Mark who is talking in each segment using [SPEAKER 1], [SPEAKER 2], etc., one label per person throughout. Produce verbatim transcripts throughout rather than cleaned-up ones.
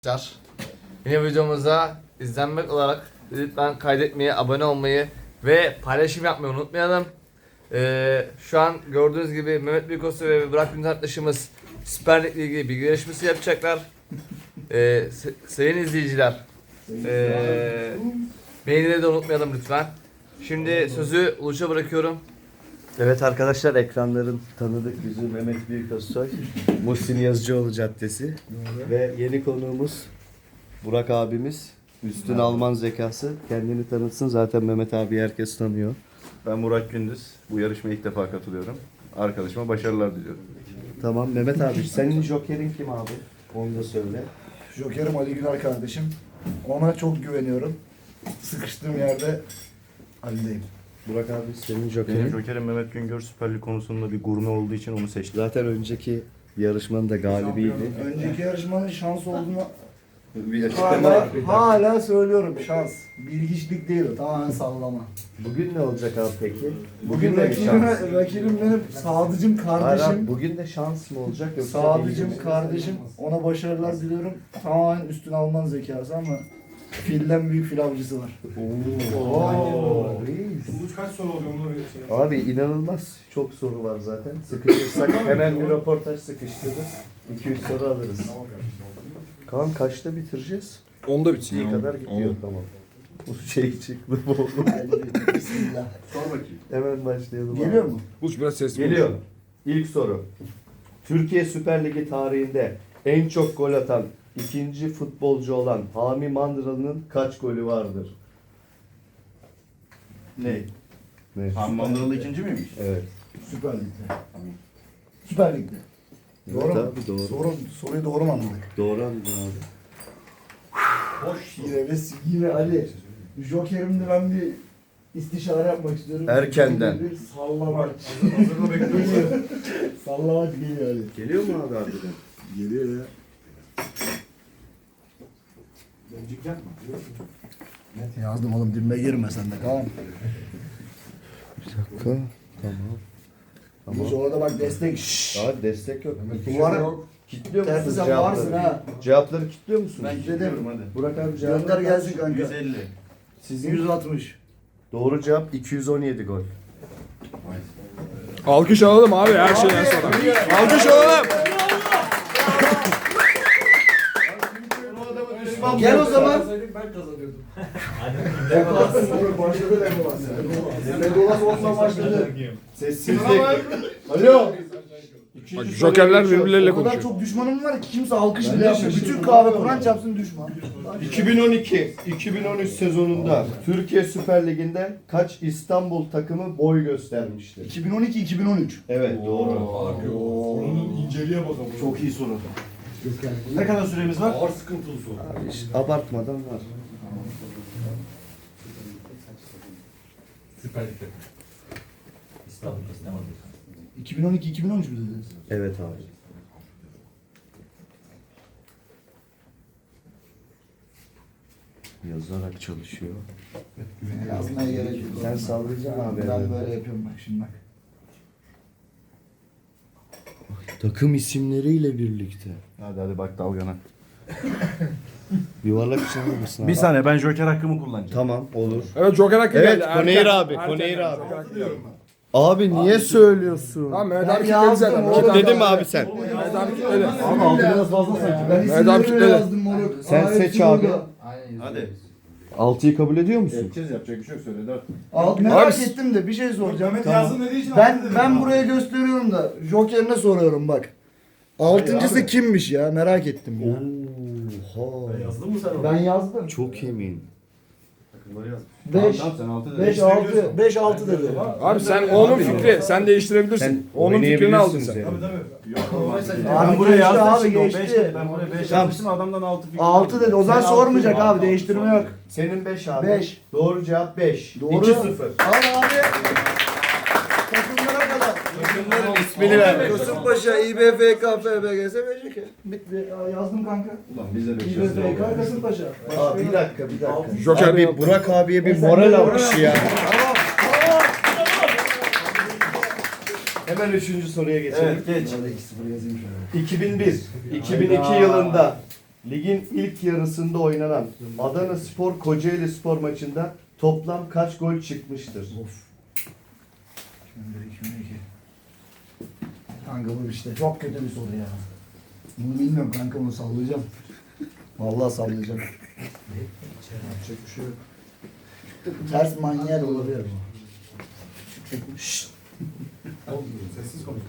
[SPEAKER 1] Arkadaşlar, yine videomuza izlenmek olarak lütfen kaydetmeyi, abone olmayı ve paylaşım yapmayı unutmayalım. Ee, şu an gördüğünüz gibi Mehmet Büyükosu ve Burak Gündüz arkadaşımız Süper Lig ile ilgili bilgi yarışması yapacaklar. Ee, sayın izleyiciler, ee, beğenileri de unutmayalım lütfen. Şimdi sözü Uluç'a bırakıyorum.
[SPEAKER 2] Evet arkadaşlar, ekranların tanıdık yüzü Mehmet Büyüközsoy, Muhsin Yazıcıoğlu Caddesi ve yeni konuğumuz Burak abimiz. Üstün Alman zekası, kendini tanıtsın, zaten Mehmet abi herkes tanıyor.
[SPEAKER 3] Ben Burak Gündüz. Bu yarışmaya ilk defa katılıyorum. Arkadaşıma başarılar diliyorum.
[SPEAKER 2] Tamam Mehmet abi, senin jokerin kim abi? Onu da söyle.
[SPEAKER 4] Jokerim Ali Güler kardeşim. Ona çok güveniyorum. Sıkıştığım yerde Ali'deyim.
[SPEAKER 2] Burak abi senin
[SPEAKER 3] Benim
[SPEAKER 2] jokerin.
[SPEAKER 3] jokerim Mehmet Güngör, Süper Lig konusunda bir gurme olduğu için onu seçtim.
[SPEAKER 2] Zaten önceki yarışmanın da galibiydi.
[SPEAKER 4] Önceki yarışmanın şans olduğunu
[SPEAKER 3] Bir açıklama
[SPEAKER 4] hala,
[SPEAKER 3] var.
[SPEAKER 4] hala söylüyorum, şans. Bilgiçlik değil o, tamamen sallama.
[SPEAKER 2] Bugün ne olacak abi peki?
[SPEAKER 4] Bugün
[SPEAKER 2] de mi
[SPEAKER 4] rakibim,
[SPEAKER 2] şans?
[SPEAKER 4] rakibim benim Sadıcım
[SPEAKER 2] Hayır abi,
[SPEAKER 4] kardeşim.
[SPEAKER 2] bugün de şans mı olacak yoksa
[SPEAKER 4] Sadıcım
[SPEAKER 2] bilgi mi?
[SPEAKER 4] kardeşim. Ona başarılar diliyorum. Tamamen üstün Alman zekası ama filden büyük fil avcısı var.
[SPEAKER 2] Oo. reis.
[SPEAKER 5] Bu kaç soru oluyor onu bir şey.
[SPEAKER 2] Abi inanılmaz çok soru var zaten. Sıkışırsak hemen bir röportaj sıkıştırırız. iki üç soru alırız. Kaan kaçta bitireceğiz?
[SPEAKER 5] Onda bitsin
[SPEAKER 2] İyi kadar gidiyor tamam. Bu şey çıktı bu oldu.
[SPEAKER 4] Bismillah.
[SPEAKER 3] Sor bakayım.
[SPEAKER 2] Hemen başlayalım.
[SPEAKER 4] Geliyor
[SPEAKER 2] abi.
[SPEAKER 4] mu?
[SPEAKER 5] Buluş biraz sesli.
[SPEAKER 2] Geliyor. İlk soru. Türkiye Süper Ligi tarihinde en çok gol atan ikinci futbolcu olan Hami Mandıralı'nın kaç golü vardır?
[SPEAKER 3] Ne?
[SPEAKER 2] Ne?
[SPEAKER 3] Mandıralı ikinci miymiş?
[SPEAKER 2] Evet.
[SPEAKER 4] Süper Lig'de. Süper Lig'de.
[SPEAKER 2] Evet
[SPEAKER 4] Doğru mu?
[SPEAKER 2] abi doğru.
[SPEAKER 4] Soru, soruyu doğru mu anladık?
[SPEAKER 2] Doğru anladın abi.
[SPEAKER 4] Boş yine ve yine Ali. Joker'imde ben bir istişare yapmak istiyorum.
[SPEAKER 2] Erkenden.
[SPEAKER 4] Bir sallamak.
[SPEAKER 5] Hazırla bekliyoruz.
[SPEAKER 4] Geliyor. Sallamak geliyor Ali.
[SPEAKER 2] Geliyor mu abi harbiden?
[SPEAKER 4] Geliyor ya.
[SPEAKER 5] Bencik yapma.
[SPEAKER 4] Yazdım oğlum, dibime girme sen de, tamam.
[SPEAKER 2] Bir dakika. Tamam.
[SPEAKER 4] Ama orada bak destek. Şşş.
[SPEAKER 2] Abi destek yok.
[SPEAKER 4] Bu var.
[SPEAKER 2] Kitliyor
[SPEAKER 4] Tersi
[SPEAKER 2] musunuz
[SPEAKER 4] sen
[SPEAKER 2] cevapları?
[SPEAKER 4] varsın ha.
[SPEAKER 2] Cevapları kitliyor musunuz?
[SPEAKER 3] Ben gidiyorum hadi.
[SPEAKER 2] Burak abi cevapları
[SPEAKER 4] Gönder gelsin kanka.
[SPEAKER 3] yüz elli.
[SPEAKER 2] Sizin
[SPEAKER 4] yüz altmış.
[SPEAKER 2] doğru cevap iki yüz on yedi gol.
[SPEAKER 5] Alkış alalım abi her şeyden sonra. Alkış alalım.
[SPEAKER 4] Gel o zaman.
[SPEAKER 5] Ben kazanıyordum.
[SPEAKER 4] Legolas. Başladı Legolas. Legolas onunla başladı.
[SPEAKER 2] Sessizlik. Alo.
[SPEAKER 5] Bak jokerler birbirleriyle
[SPEAKER 4] O kadar
[SPEAKER 5] konuşuyor.
[SPEAKER 4] çok düşmanım var ki kimse alkış bile yapmıyor. Bütün kahve Kur'an çarpsın düşman.
[SPEAKER 2] iki bin on iki iki bin on üç sezonunda Türkiye Süper Ligi'nde kaç İstanbul takımı boy göstermiştir?
[SPEAKER 4] iki bin on iki iki bin on üç.
[SPEAKER 2] Evet doğru.
[SPEAKER 5] Sorunun inceliğe bakalım.
[SPEAKER 3] Çok iyi soru. Ne kadar süremiz var?
[SPEAKER 5] Ağır sıkıntılı soru.
[SPEAKER 2] Abi işte abartmadan var.
[SPEAKER 5] Süper Lig'de.
[SPEAKER 4] iki bin on iki iki bin on üç mü dediniz?
[SPEAKER 2] Evet abi. Yazarak çalışıyor.
[SPEAKER 4] Yazmaya gerek yok.
[SPEAKER 2] Sen sallayacaksın abi.
[SPEAKER 4] Ben
[SPEAKER 2] evet.
[SPEAKER 4] böyle yapıyorum bak şimdi bak.
[SPEAKER 2] Takım isimleriyle birlikte.
[SPEAKER 3] Hadi hadi bak dalgana.
[SPEAKER 2] Yuvarlak içinde misin abi?
[SPEAKER 3] Bir saniye ben joker hakkımı kullanacağım.
[SPEAKER 2] Tamam olur.
[SPEAKER 5] Evet joker hakkı
[SPEAKER 2] Evet,
[SPEAKER 5] geldi.
[SPEAKER 2] Koneyir
[SPEAKER 5] Erken.
[SPEAKER 2] abi,
[SPEAKER 5] Erken
[SPEAKER 2] Koneyir
[SPEAKER 5] geldi,
[SPEAKER 2] abi.
[SPEAKER 5] joker hakkı geldi.
[SPEAKER 2] Abi niye söylüyorsun?
[SPEAKER 5] Tamam Mehmet
[SPEAKER 4] Ben
[SPEAKER 5] abi kilitledi
[SPEAKER 4] yazdım
[SPEAKER 5] zaten.
[SPEAKER 4] oğlum.
[SPEAKER 5] İki tane
[SPEAKER 2] Kitledin mi
[SPEAKER 5] daha-
[SPEAKER 2] abi sen?
[SPEAKER 5] Mehmet abi kilitledi.
[SPEAKER 3] Abi altı biraz fazla sanki.
[SPEAKER 4] Ben
[SPEAKER 5] Mehmet abi
[SPEAKER 4] isimleri
[SPEAKER 5] kitledi.
[SPEAKER 4] yazdım moruk.
[SPEAKER 2] Sen
[SPEAKER 4] Aa,
[SPEAKER 2] seç
[SPEAKER 4] hepsi
[SPEAKER 2] abi.
[SPEAKER 4] burada.
[SPEAKER 3] Hadi.
[SPEAKER 2] altıyı kabul ediyor musun?
[SPEAKER 3] Edeceğiz yapacak bir şey yok söyle dört.
[SPEAKER 4] Al, merak
[SPEAKER 5] Abi-
[SPEAKER 4] ettim de bir şey soracağım.
[SPEAKER 5] Mehmet
[SPEAKER 4] Tamam.
[SPEAKER 5] yazdım dediği için
[SPEAKER 4] Ben
[SPEAKER 5] altı dedim
[SPEAKER 4] ben
[SPEAKER 5] abi.
[SPEAKER 4] buraya gösteriyorum da Joker'ine soruyorum bak. Altıncısı
[SPEAKER 5] abi.
[SPEAKER 4] kimmiş ya, merak ettim ya.
[SPEAKER 2] Oha.
[SPEAKER 3] Yazdın mı sen onu?
[SPEAKER 4] Ben yazdım.
[SPEAKER 2] Çok emin.
[SPEAKER 3] Takımları yaz.
[SPEAKER 4] beş
[SPEAKER 3] Tamam, sen altı dedin.
[SPEAKER 4] beş altı beş altı dedi.
[SPEAKER 5] Abi sen onun fikri. Sen değiştirebilirsin.
[SPEAKER 2] Sen
[SPEAKER 5] Onun fikrini aldın
[SPEAKER 2] oynayabilirsin
[SPEAKER 5] sen.
[SPEAKER 2] seni.
[SPEAKER 4] Abi
[SPEAKER 3] Ben buraya
[SPEAKER 4] geçti
[SPEAKER 3] yazdım
[SPEAKER 4] abi,
[SPEAKER 3] şimdi o
[SPEAKER 4] geçti.
[SPEAKER 3] beş dedi. Ben buraya beş
[SPEAKER 2] Tamam.
[SPEAKER 3] yazmıştım adamdan altı fikir.
[SPEAKER 4] altı dedi. O zaman
[SPEAKER 2] Sen
[SPEAKER 4] sormayacak
[SPEAKER 2] altı-
[SPEAKER 4] abi, değiştirme yok.
[SPEAKER 2] Senin beş abi.
[SPEAKER 4] beş.
[SPEAKER 2] Doğru cevap beş.
[SPEAKER 4] Doğru.
[SPEAKER 2] iki sıfır.
[SPEAKER 4] Al abi. Takımlara kadar.
[SPEAKER 2] İsmini ver.
[SPEAKER 4] Kasımpaşa, İ B F K, F B G S, B C K. Bitti. Aa, yazdım kanka.
[SPEAKER 3] Ulan bize beş
[SPEAKER 4] İ B F K, Kasımpaşa.
[SPEAKER 2] Aa, bir dakika bir dakika.
[SPEAKER 5] Joker
[SPEAKER 2] Abi
[SPEAKER 5] yok.
[SPEAKER 2] Burak abiye bir
[SPEAKER 4] Sen
[SPEAKER 2] moral
[SPEAKER 4] de
[SPEAKER 2] alkışı ya.
[SPEAKER 4] Tamam. Tamam.
[SPEAKER 2] Hemen üçüncü soruya geçelim.
[SPEAKER 3] Evet geç.
[SPEAKER 4] iki sıfır yazayım şöyle.
[SPEAKER 2] iki bin bir iki bin iki yılında Ligin ilk yarısında oynanan Adana Spor Kocaeli Spor maçında toplam kaç gol çıkmıştır?
[SPEAKER 4] Kanka bu işte çok kötü bir soru ya. Bunu bilmiyorum kanka, bunu sallayacağım. Vallahi sallayacağım. Yapacak bir şey yok. Ters manyel olabilir bu. Şşt.
[SPEAKER 5] Sessiz konuş.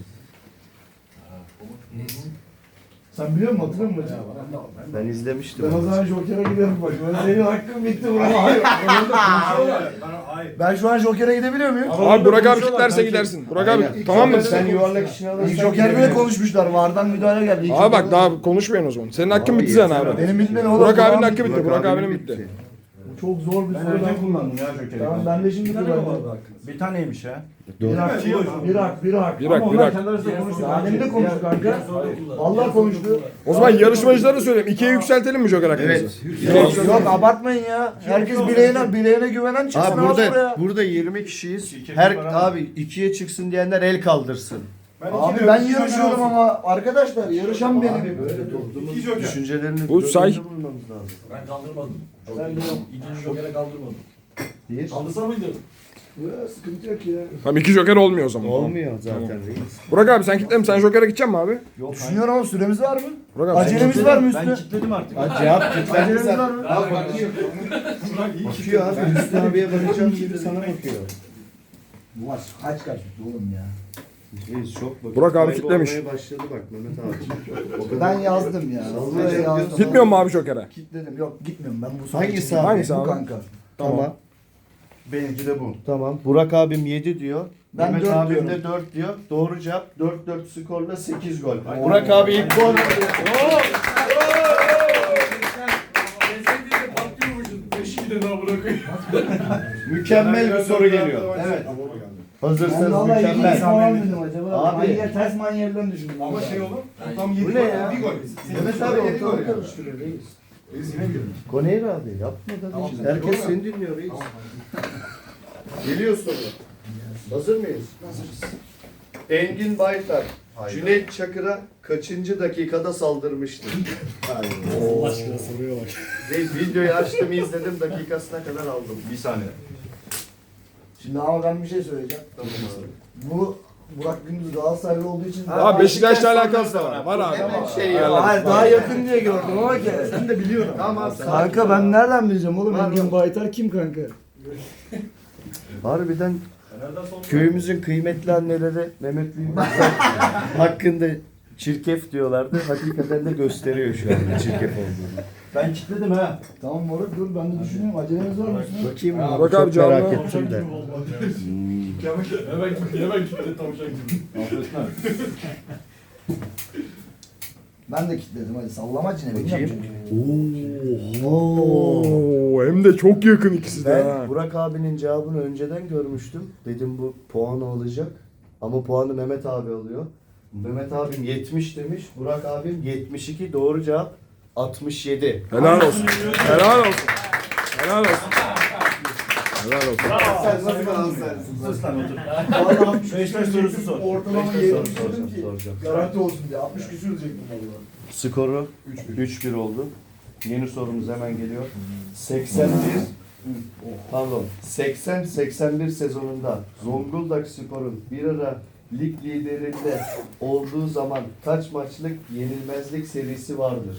[SPEAKER 4] Sen biliyor musun, hatırlıyor musun?
[SPEAKER 2] Ben izlemiştim.
[SPEAKER 4] Ben o zaman Joker'e giderim bak. Ben senin hakkın bitti buna. Hayır.
[SPEAKER 5] Hayır.
[SPEAKER 4] Ben şu an Joker'e gidebiliyor muyum?
[SPEAKER 5] Abi Burak abi kitlerse gidersin. Burak abi
[SPEAKER 2] Aynen.
[SPEAKER 5] tamam mı?
[SPEAKER 2] Sen yuvarlak işini
[SPEAKER 4] İlk
[SPEAKER 2] alırsan
[SPEAKER 4] Joker bile konuşmuşlar. Vardan müdahale geldi. İlk
[SPEAKER 5] Abi bak
[SPEAKER 4] Joker'e-
[SPEAKER 5] daha konuşmayın o zaman. Senin hakkın bitti zaten abi.
[SPEAKER 4] Benim bitmedi oğlum.
[SPEAKER 5] Burak abinin
[SPEAKER 4] Tamam.
[SPEAKER 5] hakkı bitti. Burak abinin bitti.
[SPEAKER 4] Çok zor bir soru. Ben kullandım
[SPEAKER 3] ya Joker'i.
[SPEAKER 4] Tamam ben de şimdi kullandım.
[SPEAKER 3] Bir taneymiş ya.
[SPEAKER 4] Bir hak, bir hak, bir hak.
[SPEAKER 5] Bir hak bir hak.
[SPEAKER 4] Salim de konuştu kanka. Vallahi konuştu.
[SPEAKER 5] O zaman yarışmacılara söyleyeyim. ikiye yükseltelim mi Joker hakkımızı?
[SPEAKER 2] Evet.
[SPEAKER 4] Yok abartmayın ya. Herkes bileğine bileğine güvenen çıksın.
[SPEAKER 2] Abi
[SPEAKER 4] abi
[SPEAKER 2] burada
[SPEAKER 4] buraya.
[SPEAKER 2] burada yirmi kişiyiz. Her abi ikiye çıksın diyenler el kaldırsın.
[SPEAKER 4] Abi ben yarışıyorum ama arkadaşlar yarışan benim.
[SPEAKER 2] Düşüncelerini
[SPEAKER 5] Bu
[SPEAKER 2] göz
[SPEAKER 5] say-
[SPEAKER 2] önünde bulmamız lazım.
[SPEAKER 6] Ben kaldırmadım.
[SPEAKER 4] Sen de yok.
[SPEAKER 6] İkinci Joker'e kaldırmadım.
[SPEAKER 2] Bir.
[SPEAKER 6] Kaldırsa mıydı?
[SPEAKER 4] Ya, sıkıntı yok ya.
[SPEAKER 5] Tamam iki Joker olmuyor o zaman.
[SPEAKER 2] Olmuyor zaten reis.
[SPEAKER 5] Burak abi sen kitle mi? Sen Joker'e gideceksin mi abi?
[SPEAKER 4] Düşünüyorum ama süremiz var mı?
[SPEAKER 5] Burak abi sen
[SPEAKER 4] Acelemiz var mı üstüne?
[SPEAKER 3] Ben kilitledim artık.
[SPEAKER 2] Ha, cevap kilitlendi
[SPEAKER 4] Acelemiz var
[SPEAKER 2] zaten.
[SPEAKER 4] mı?
[SPEAKER 2] Bakıyor abi. Hüsnü abiye bakacağım gibi sana bakıyor.
[SPEAKER 4] Bu maç kaç kaç oğlum ya.
[SPEAKER 2] Reis çok bakıyor.
[SPEAKER 5] Burak abi
[SPEAKER 2] Kaybolmaya
[SPEAKER 5] kitlemiş.
[SPEAKER 2] başladı bak Mehmet abi. O kadar.
[SPEAKER 4] Ben yazdım ya. Buraya yazdım.
[SPEAKER 5] Gitmiyor mu abi Joker'e?
[SPEAKER 4] Kitledim. Yok gitmiyorum ben bu soru
[SPEAKER 2] Hangisi
[SPEAKER 4] için-
[SPEAKER 2] abi?
[SPEAKER 5] Hangisi
[SPEAKER 4] Bu
[SPEAKER 5] abi?
[SPEAKER 4] kanka.
[SPEAKER 2] Tamam.
[SPEAKER 3] Benimki de bu.
[SPEAKER 2] Tamam. Burak abim yedi diyor.
[SPEAKER 4] Ben
[SPEAKER 2] Mehmet
[SPEAKER 4] dört
[SPEAKER 2] abim
[SPEAKER 4] diyorum.
[SPEAKER 2] de dört diyor. Doğru cevap dört dört skorla sekiz gol. Burak abi ilk gol. Mükemmel bir soru geliyor.
[SPEAKER 3] Evet.
[SPEAKER 4] Ben
[SPEAKER 2] Hazırsanız
[SPEAKER 4] valla iki
[SPEAKER 2] mükemmel.
[SPEAKER 4] falan dedim acaba.
[SPEAKER 2] Abi.
[SPEAKER 4] Manyer, ters manyerlerini düşündüm.
[SPEAKER 5] Ama
[SPEAKER 4] ben.
[SPEAKER 5] şey olur.
[SPEAKER 6] Tam
[SPEAKER 2] Bu ne ya?
[SPEAKER 6] Bir gol.
[SPEAKER 2] Mehmet abi yedi gol karıştırıyor reis. Koneyra abi yapma da. Herkes seni dinliyor reis. Geliyor soru. Hazır mıyız? Hazırız. Engin Baytar, Cüneyt Çakır'a kaçıncı dakikada saldırmıştır?
[SPEAKER 6] Allah aşkına soruyor bak.
[SPEAKER 2] Reis videoyu açtım izledim dakikasına kadar aldım.
[SPEAKER 3] Bir saniye.
[SPEAKER 4] Şimdi ama ben bir şey söyleyeceğim. Bu Burak Gündüz Galatasaraylı olduğu için...
[SPEAKER 5] Abi Beşiktaş'la alakası da var. Var abi.
[SPEAKER 2] Hemen şey
[SPEAKER 4] Ya,
[SPEAKER 2] ya.
[SPEAKER 4] hayır daha yakın diye gördüm ama ki. Sen de biliyorum.
[SPEAKER 2] Tamam.
[SPEAKER 4] Kanka ben nereden bileceğim oğlum?
[SPEAKER 2] Var
[SPEAKER 4] Engin
[SPEAKER 2] mı?
[SPEAKER 4] Baytar kim kanka?
[SPEAKER 2] Harbiden köyümüzün kıymetli anneleri Mehmet Büyükbaş hakkında çirkef diyorlardı. Hakikaten de gösteriyor şu anda çirkef olduğunu.
[SPEAKER 3] Ben kilitledim ha.
[SPEAKER 4] Tamam moruk dur ben de düşünüyorum. Acelemiz var mı üstüne?
[SPEAKER 2] Bakayım mı?
[SPEAKER 5] Bak
[SPEAKER 2] Çok
[SPEAKER 5] abi, canlı.
[SPEAKER 2] merak ettim de.
[SPEAKER 6] Hemen gitti, hemen gitti tavşan gibi.
[SPEAKER 3] Affetme.
[SPEAKER 4] Ben de kilitledim hadi sallama cine bilmiyorum çünkü.
[SPEAKER 5] Oo, hem de çok yakın ikisi de
[SPEAKER 2] Ben
[SPEAKER 5] ha.
[SPEAKER 2] Burak abinin cevabını önceden görmüştüm. Dedim bu puanı alacak. Ama puanı Mehmet abi alıyor. Mehmet abim yetmiş demiş. Burak abim yetmiş iki. Doğru cevap altmış yedi.
[SPEAKER 5] Helal olsun. Helal olsun. Helal olsun. Helal olsun.
[SPEAKER 2] Sen nasıl Galatasaraylısın?
[SPEAKER 3] Sus lan otur.
[SPEAKER 4] Vallahi
[SPEAKER 3] Beşiktaş sorusu sor.
[SPEAKER 4] ortalama
[SPEAKER 2] Beşiktaş
[SPEAKER 4] yetmiş
[SPEAKER 2] sorusu
[SPEAKER 4] dedim
[SPEAKER 2] sor,
[SPEAKER 4] ki
[SPEAKER 2] soracağım.
[SPEAKER 4] garanti olsun diye. altmış küsür diyecektim valla.
[SPEAKER 2] Skoru üç bir oldu. Yeni sorumuz hemen geliyor. seksen bir pardon seksen seksen bir sezonunda Zonguldak Spor'un bir ara lig liderinde olduğu zaman kaç maçlık yenilmezlik serisi vardır?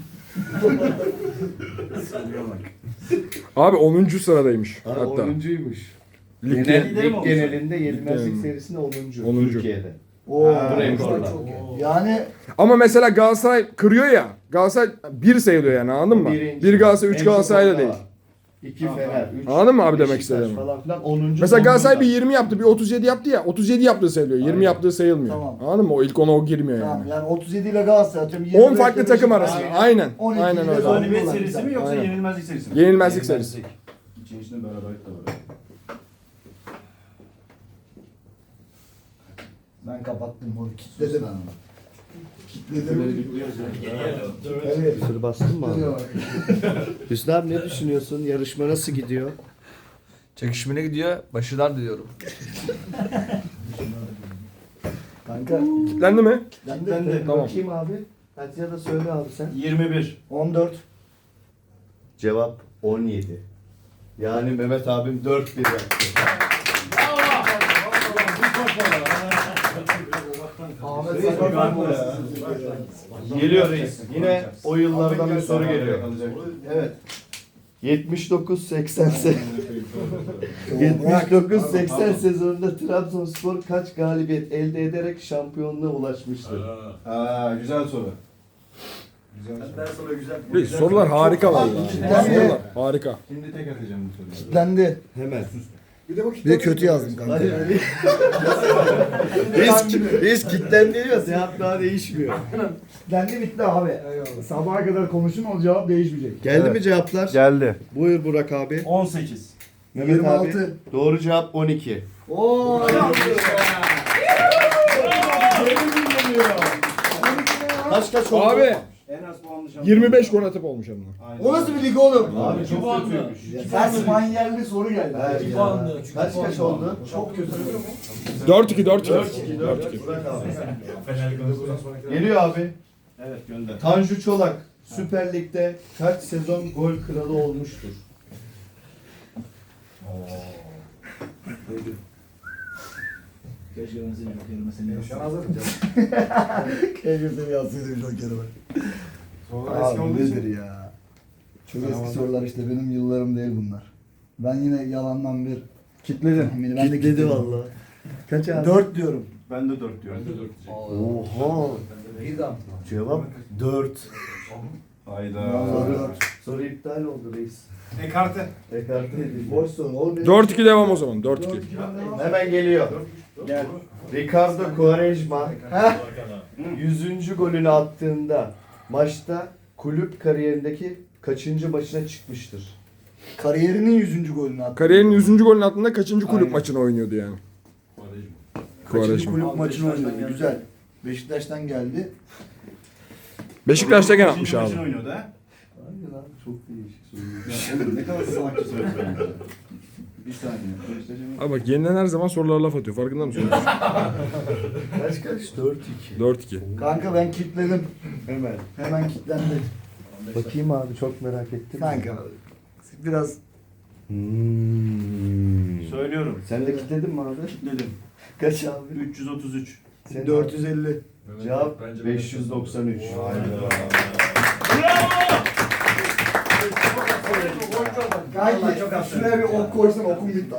[SPEAKER 5] Abi onuncu sıradaymış
[SPEAKER 2] Ha,
[SPEAKER 5] hatta.
[SPEAKER 2] onuncuymuş.
[SPEAKER 5] Ligde.
[SPEAKER 2] Genel,
[SPEAKER 3] Lideri mi
[SPEAKER 2] lig
[SPEAKER 3] olmuş?
[SPEAKER 2] genelinde yenilmezlik
[SPEAKER 5] genelinde.
[SPEAKER 2] serisinde onuncu.
[SPEAKER 5] onuncu.
[SPEAKER 2] Türkiye'de.
[SPEAKER 4] Oo,
[SPEAKER 2] buraya
[SPEAKER 4] işte
[SPEAKER 2] koydular.
[SPEAKER 4] çok iyi. Yani
[SPEAKER 5] Ama mesela Galatasaray kırıyor ya. Galatasaray bir sayılıyor yani anladın mı?
[SPEAKER 2] Birinci.
[SPEAKER 5] Bir Galatasaray, üç
[SPEAKER 2] En çok
[SPEAKER 5] Galatasaray da
[SPEAKER 2] onda
[SPEAKER 5] değil.
[SPEAKER 2] var. İki Fener, üç
[SPEAKER 5] Anladın mı abi demek
[SPEAKER 2] Beşiktaş
[SPEAKER 5] istediğimi?
[SPEAKER 2] falan filan. onuncu
[SPEAKER 5] Mesela Galatasaray bir
[SPEAKER 2] Zonguldak.
[SPEAKER 5] yirmi yaptı, bir otuz yedi yaptı ya. otuz yedi yaptığı sayılıyor. yirmi
[SPEAKER 2] Aynen.
[SPEAKER 5] yaptığı sayılmıyor.
[SPEAKER 4] Tamam.
[SPEAKER 5] Anladın mı? O ilk ona o girmiyor
[SPEAKER 4] tamam
[SPEAKER 5] yani.
[SPEAKER 4] yani otuz yedi ile Galatasaray atıyorum. yirmi
[SPEAKER 5] on
[SPEAKER 4] beş
[SPEAKER 5] farklı
[SPEAKER 4] ile
[SPEAKER 5] takım
[SPEAKER 4] Beşiktaş.
[SPEAKER 5] arasında. Aynen.
[SPEAKER 4] on iki
[SPEAKER 5] Aynen
[SPEAKER 4] ile
[SPEAKER 5] öyle.
[SPEAKER 4] Zonguldak.
[SPEAKER 3] Galibiyet serisi mi yoksa
[SPEAKER 5] Aynen.
[SPEAKER 3] yenilmezlik serisi mi?
[SPEAKER 5] Yenilmezlik serisi.
[SPEAKER 3] İçin içinde beraberlik de var.
[SPEAKER 4] Ben kapattım bunu. Kitledim ben onu. Kitledim. Evet.
[SPEAKER 2] Sır bastın mı abi?
[SPEAKER 4] Duruyor.
[SPEAKER 2] Hüsnü abi ne düşünüyorsun? Yarışma nasıl gidiyor?
[SPEAKER 1] Çekişmene gidiyor. Başarılar diliyorum.
[SPEAKER 4] Kanka
[SPEAKER 5] Kitlendi mi?
[SPEAKER 4] ben de
[SPEAKER 5] Tamam.
[SPEAKER 2] Bakayım abi. Hadi ya da söyle abi sen.
[SPEAKER 3] yirmi bir.
[SPEAKER 4] on dört.
[SPEAKER 2] Cevap on yedi. Yani Mehmet abim dört bir yaptı.
[SPEAKER 4] Ahmet
[SPEAKER 3] Reis
[SPEAKER 4] Sakar
[SPEAKER 3] bir
[SPEAKER 4] mı
[SPEAKER 3] ya.
[SPEAKER 2] Geliyor reis. Yine o yıllardan bir soru geliyor.
[SPEAKER 4] Evet.
[SPEAKER 2] yetmiş dokuz seksen se- yetmiş dokuz seksen sezonunda Trabzonspor kaç galibiyet elde ederek şampiyonluğa ulaşmıştır?
[SPEAKER 3] Aa, güzel soru.
[SPEAKER 5] Reis, sorular harika vallahi. Sorular harika.
[SPEAKER 3] Şimdi tek atacağım bu soruyu.
[SPEAKER 4] Kitlendi.
[SPEAKER 2] Hemen.
[SPEAKER 4] Bir de kötü yazdım kanka.
[SPEAKER 2] Hadi hadi. Biz, biz kitten geliyor. Cevap daha değişmiyor.
[SPEAKER 4] Kitlendi bitti abi. Sabaha kadar konuşun o cevap değişmeyecek.
[SPEAKER 2] Geldi
[SPEAKER 3] Evet.
[SPEAKER 2] mi cevaplar?
[SPEAKER 3] Geldi.
[SPEAKER 2] Buyur Burak abi.
[SPEAKER 3] on sekiz.
[SPEAKER 2] Mehmet
[SPEAKER 4] yirmi
[SPEAKER 2] abi.
[SPEAKER 4] altı.
[SPEAKER 2] Doğru cevap on iki.
[SPEAKER 4] Oo.
[SPEAKER 2] Kaç kaç oldu?
[SPEAKER 5] Abi
[SPEAKER 3] En az puanlı şampiyon.
[SPEAKER 5] yirmi beş gol atıp olmuş hem de.
[SPEAKER 3] Aynen.
[SPEAKER 4] O nasıl bir lig oğlum?
[SPEAKER 2] Abi çok kötüymüş.
[SPEAKER 4] Ters manyerli soru geldi.
[SPEAKER 2] Evet ya. Kaç kaç oldu?
[SPEAKER 4] Çok kötü.
[SPEAKER 5] dört iki dört iki.
[SPEAKER 2] dört iki dört iki. Burak abi. Geliyor abi.
[SPEAKER 3] Evet gönder.
[SPEAKER 2] Tanju Çolak Süper Lig'de kaç sezon gol kralı olmuştur?
[SPEAKER 4] Keşke ben senin jokerime seni yazsaydım. Keşke seni yazsaydım jokerime. Abi nedir ya? Çok eski sorular işte benim yıllarım değil bunlar. Ben yine yalandan bir
[SPEAKER 2] Kitledim.
[SPEAKER 4] tahmini ben de
[SPEAKER 2] Kitledi
[SPEAKER 4] kitledim.
[SPEAKER 2] valla. Kaç abi?
[SPEAKER 4] dört diyorum.
[SPEAKER 3] Ben de dört diyorum.
[SPEAKER 2] Oha. Cevap dört.
[SPEAKER 3] Hayda.
[SPEAKER 2] Soru, soru iptal oldu reis.
[SPEAKER 3] Ekarte.
[SPEAKER 2] Ekarte edildi.
[SPEAKER 4] Boş soru. Oğlum,
[SPEAKER 5] dört iki devam o zaman. dört iki.
[SPEAKER 2] Hemen geliyor.
[SPEAKER 3] Gel.
[SPEAKER 2] Ricardo Quaresma yüzüncü golünü attığında maçta kulüp kariyerindeki kaçıncı maçına çıkmıştır?
[SPEAKER 4] Kariyerinin yüzüncü golünü attı.
[SPEAKER 5] Kariyerinin yüzüncü golünün altında kaçıncı kulüp
[SPEAKER 4] Aynen.
[SPEAKER 5] maçını oynuyordu yani?
[SPEAKER 4] Kaçıncı
[SPEAKER 5] Quaresma.
[SPEAKER 4] kulüp maçını oynadı. Güzel. Beşiktaş'tan geldi.
[SPEAKER 5] Beşiktaş'tayken atmış
[SPEAKER 3] Maçın
[SPEAKER 5] abi.
[SPEAKER 3] oynuyordu ha.
[SPEAKER 2] Aynen abi çok değişik soru.
[SPEAKER 3] Ya oğlum ne kadar salakça söylüyorsun. Bir saniye. Beşiktaş'ın-
[SPEAKER 5] Abi bak yeniden her zaman sorulara laf atıyor. Farkında mısın?
[SPEAKER 2] Kaç kaç? dört iki.
[SPEAKER 5] dört iki.
[SPEAKER 4] Kanka ben kitledim.
[SPEAKER 2] Hemen.
[SPEAKER 4] Hemen kitlendi.
[SPEAKER 2] Bakayım abi çok merak ettim.
[SPEAKER 4] Kanka biraz
[SPEAKER 2] Hmm.
[SPEAKER 3] Söylüyorum.
[SPEAKER 2] Sen de kitledin mi abi?
[SPEAKER 3] Dedim.
[SPEAKER 2] Kaç abi?
[SPEAKER 3] üç yüz otuz üç.
[SPEAKER 2] Sen
[SPEAKER 4] dört yüz elli.
[SPEAKER 2] Cevap beş yüz doksan üç.
[SPEAKER 4] Kanki şuraya bir ok koysan okum gitti.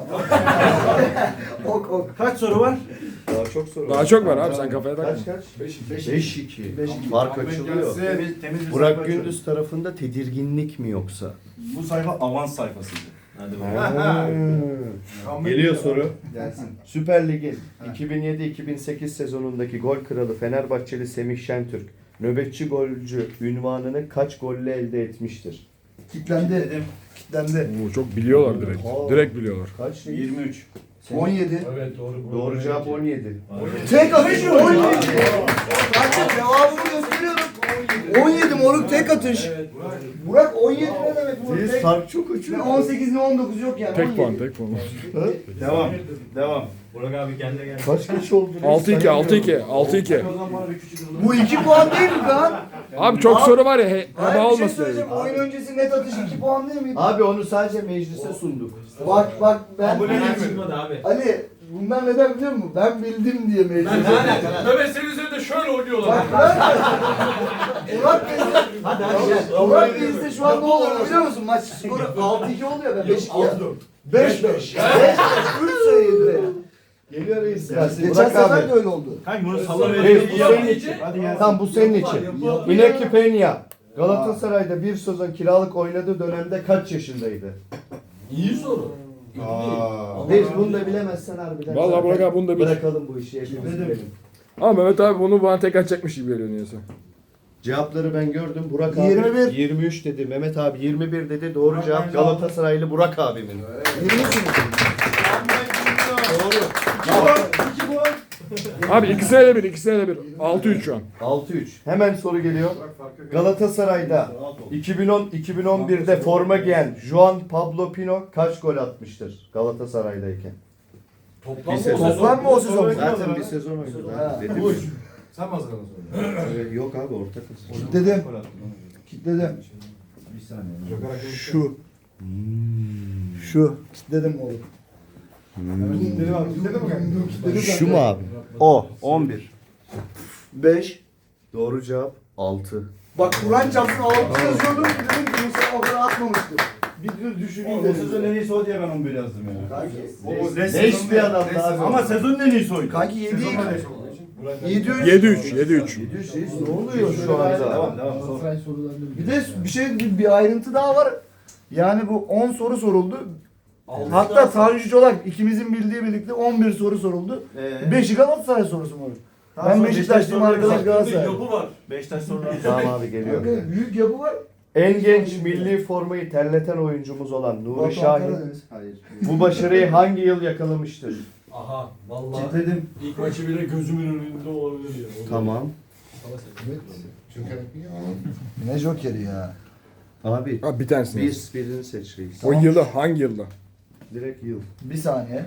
[SPEAKER 4] ok ok.
[SPEAKER 3] Kaç soru var?
[SPEAKER 2] Daha çok soru
[SPEAKER 5] Daha çok var abi, sen kafaya takma.
[SPEAKER 2] Kaç kaç?
[SPEAKER 4] Beş
[SPEAKER 2] beş iki.
[SPEAKER 4] Beş iki.
[SPEAKER 2] Fark açılıyor.
[SPEAKER 3] Temiz, temiz bir
[SPEAKER 2] Burak
[SPEAKER 3] sayfa
[SPEAKER 2] Gündüz tarafında tedirginlik mi yoksa?
[SPEAKER 3] açıyorum. Bu sayfa avans sayfasıydı. Hadi
[SPEAKER 2] Geliyor soru.
[SPEAKER 3] Gelsin.
[SPEAKER 2] Süper Lig'in iki bin yedi iki bin sekiz sezonundaki gol kralı Fenerbahçeli Semih Şentürk nöbetçi golcü ünvanını kaç golle elde etmiştir?
[SPEAKER 4] Kitlendi.
[SPEAKER 3] Dedim.
[SPEAKER 4] Kitlendi.
[SPEAKER 5] Oo, çok biliyorlar direkt.
[SPEAKER 2] Oha.
[SPEAKER 5] Direkt biliyorlar.
[SPEAKER 2] Kaç?
[SPEAKER 3] yirmi üç.
[SPEAKER 4] on yedi.
[SPEAKER 6] Evet doğru.
[SPEAKER 2] Doğru cevap on yedi.
[SPEAKER 4] Tek atış on yedi. Kanka cevabımı gösteriyorum. on yedi moruk tek atış. Burak on yedi ne demek moruk
[SPEAKER 2] Siz
[SPEAKER 4] tek?
[SPEAKER 2] fark çok
[SPEAKER 4] Ne
[SPEAKER 2] uçuyor.
[SPEAKER 4] on sekiz ne on dokuz yok yani.
[SPEAKER 5] Tek
[SPEAKER 4] on
[SPEAKER 5] puan,
[SPEAKER 4] yedi.
[SPEAKER 5] tek puan.
[SPEAKER 3] Devam. Devam.
[SPEAKER 2] Kaç kaç oldu?
[SPEAKER 5] altı iki, altı iki, altı iki.
[SPEAKER 4] Bu iki puan değil mi lan?
[SPEAKER 5] Abi çok soru var ya, he,
[SPEAKER 4] Hayır
[SPEAKER 5] heba
[SPEAKER 4] bir şey
[SPEAKER 5] olmasın.
[SPEAKER 4] söyleyeceğim. Oyun öncesi net atış iki puan değil miydi?
[SPEAKER 2] Abi onu sadece meclise sunduk.
[SPEAKER 4] Bak bak ben
[SPEAKER 6] çıkmadı abi.
[SPEAKER 4] Ali bunlar neden biliyor musun? Ben bildim diye meclis.
[SPEAKER 6] Ne alaka? Mehmet senin üzerinde şöyle oynuyorlar.
[SPEAKER 4] Bak ben Murat Bey'de Hadi hadi Murat Bey'de şu an ne olur biliyor musun? Maç skoru altı iki oluyor ben beş iki ya. beş beş. beş beş. üç sayıydı ya.
[SPEAKER 2] Geliyor reis.
[SPEAKER 4] Geçen
[SPEAKER 2] Burak
[SPEAKER 4] sefer
[SPEAKER 2] abi.
[SPEAKER 4] de öyle oldu.
[SPEAKER 3] Kanka bunu salla
[SPEAKER 2] Reis
[SPEAKER 3] verelim.
[SPEAKER 2] bu senin için.
[SPEAKER 3] Hadi gel.
[SPEAKER 2] Tam bu senin için. Inaki Peña Galatasaray'da bir sezon kiralık oynadığı dönemde kaç yaşındaydı?
[SPEAKER 6] İyi soru.
[SPEAKER 3] Aa.
[SPEAKER 2] Reis bunu da bilemezsen harbiden.
[SPEAKER 5] Vallahi
[SPEAKER 2] zaten
[SPEAKER 5] Burak abi bunu da bil.
[SPEAKER 2] Bırakalım bu işi hepimiz bilelim.
[SPEAKER 5] Ama Mehmet abi bunu bana tek atacakmış gibi geliyor niyeyse.
[SPEAKER 2] Cevapları ben gördüm. Burak abi
[SPEAKER 4] yirmi bir.
[SPEAKER 2] yirmi üç dedi. Mehmet abi yirmi bir dedi. Doğru cevap Galatasaraylı Burak abimin.
[SPEAKER 4] yirmi üç mü?
[SPEAKER 5] Abi ikisine de bir, ikisine de bir. altı üç şu an.
[SPEAKER 2] altı üç. Hemen soru geliyor. Galatasaray'da iki bin on iki bin on bir'de forma giyen Juan Pablo Pino kaç gol atmıştır Galatasaray'dayken?
[SPEAKER 6] Toplam
[SPEAKER 2] Bir sezon.
[SPEAKER 4] Toplam mı o sezon?
[SPEAKER 2] Zaten bir sezon oynadı.
[SPEAKER 4] Ha.
[SPEAKER 2] Dedim.
[SPEAKER 6] Sen mi hazırladın sonra?
[SPEAKER 2] Ee, Yok abi ortak hazır.
[SPEAKER 4] Kitledim. Kitledim.
[SPEAKER 3] Bir saniye.
[SPEAKER 6] Joker hakkı
[SPEAKER 4] Şu. Şu. Kitledim oğlum.
[SPEAKER 6] Kitledim abi. Kitledin mi kanka?
[SPEAKER 4] Kitledim
[SPEAKER 2] Şu mu abi?
[SPEAKER 3] O. on bir.
[SPEAKER 4] beş.
[SPEAKER 2] Doğru cevap altı.
[SPEAKER 4] Bak Kur'an çarpsın altı yazıyordum. Dedim ki Musa o kadar atmamıştır. Bir dur düşüneyim
[SPEAKER 3] O
[SPEAKER 4] dedim.
[SPEAKER 3] sezon en iyisi o diye ben on bir yazdım ya.
[SPEAKER 4] Kanki.
[SPEAKER 3] O
[SPEAKER 4] beş-
[SPEAKER 3] beş bir adam daha. Ama sezonun en iyisi oydu.
[SPEAKER 4] Kanki yedi.
[SPEAKER 6] Sezonda leş olduğu için. Burak-
[SPEAKER 4] yedi üç.
[SPEAKER 5] yedi üç, yedi üç.
[SPEAKER 2] yedi yüz reis ne oluyor şu anda?
[SPEAKER 3] Devam devam. Sor.
[SPEAKER 4] Bir de bir şey bir, bir ayrıntı daha var. Yani bu on soru soruldu. Hatta Tanju Çolak ikimizin bildiği birlikte on bir soru soruldu.
[SPEAKER 3] Ee,
[SPEAKER 4] beşi Galatasaray sorusu mu?
[SPEAKER 3] Tamam,
[SPEAKER 4] Ben
[SPEAKER 3] sonra
[SPEAKER 4] Beşiktaşlıyım,
[SPEAKER 3] Beşiktaş
[SPEAKER 4] arkadaş
[SPEAKER 3] soruları
[SPEAKER 4] Galatasaray.
[SPEAKER 6] Yapı var.
[SPEAKER 3] Beşiktaş soruları.
[SPEAKER 2] Tamam abi geliyor.
[SPEAKER 4] Kanka, büyük yapı var.
[SPEAKER 2] En genç milli formayı terleten oyuncumuz olan Nuri
[SPEAKER 4] Batuhan
[SPEAKER 2] Şahin
[SPEAKER 4] Karadeniz.
[SPEAKER 3] Hayır.
[SPEAKER 2] bu başarıyı hangi yıl yakalamıştır?
[SPEAKER 6] Aha vallahi
[SPEAKER 3] Kitledim.
[SPEAKER 6] ilk maçı bile gözümün önünde olabilir ya.
[SPEAKER 2] Tamam.
[SPEAKER 4] Ne jokeri ya.
[SPEAKER 2] Abi
[SPEAKER 5] Abi bir tanesini.
[SPEAKER 2] bir
[SPEAKER 5] yaz.
[SPEAKER 2] birini seç reis.
[SPEAKER 5] O yılda hangi yılda?
[SPEAKER 2] Direkt yıl.
[SPEAKER 4] Bir saniye.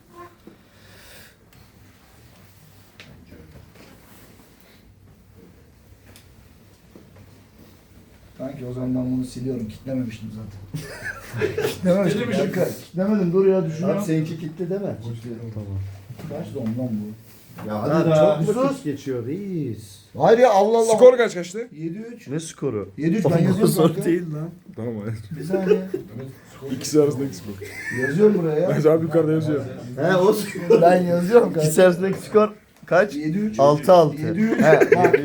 [SPEAKER 4] Kanki o zaman ben bunu siliyorum. Kitlememiştim zaten. Kitlememiştim.
[SPEAKER 6] Kitlemişim.
[SPEAKER 4] Kanka, kitlemedim. Dur ya düşünüyorum.
[SPEAKER 2] Abi seninki kitle deme. Tamam.
[SPEAKER 4] Kaç da ondan bu?
[SPEAKER 3] Ya
[SPEAKER 2] Abi
[SPEAKER 3] hadi
[SPEAKER 2] çok
[SPEAKER 3] daha.
[SPEAKER 2] mu vakit geçiyor reis?
[SPEAKER 4] Hayır ya Allah Allah.
[SPEAKER 5] Skor kaç kaçtı?
[SPEAKER 4] yedi üç.
[SPEAKER 2] Ne skoru?
[SPEAKER 4] yedi üç ben yazıyorum
[SPEAKER 2] Zor
[SPEAKER 4] kanka.
[SPEAKER 2] değil lan.
[SPEAKER 5] Tamam hayır.
[SPEAKER 4] Bir saniye.
[SPEAKER 5] İkisi arasındaki skor.
[SPEAKER 4] Yazıyorum buraya ya.
[SPEAKER 5] Ben abi yukarıda yazıyor.
[SPEAKER 2] He o skor.
[SPEAKER 4] Ben yazıyorum kanka.
[SPEAKER 2] İkisi arasındaki skor kaç?
[SPEAKER 4] yedi üç.
[SPEAKER 2] altı altı.
[SPEAKER 4] yedi üç.
[SPEAKER 2] He.
[SPEAKER 4] Bak.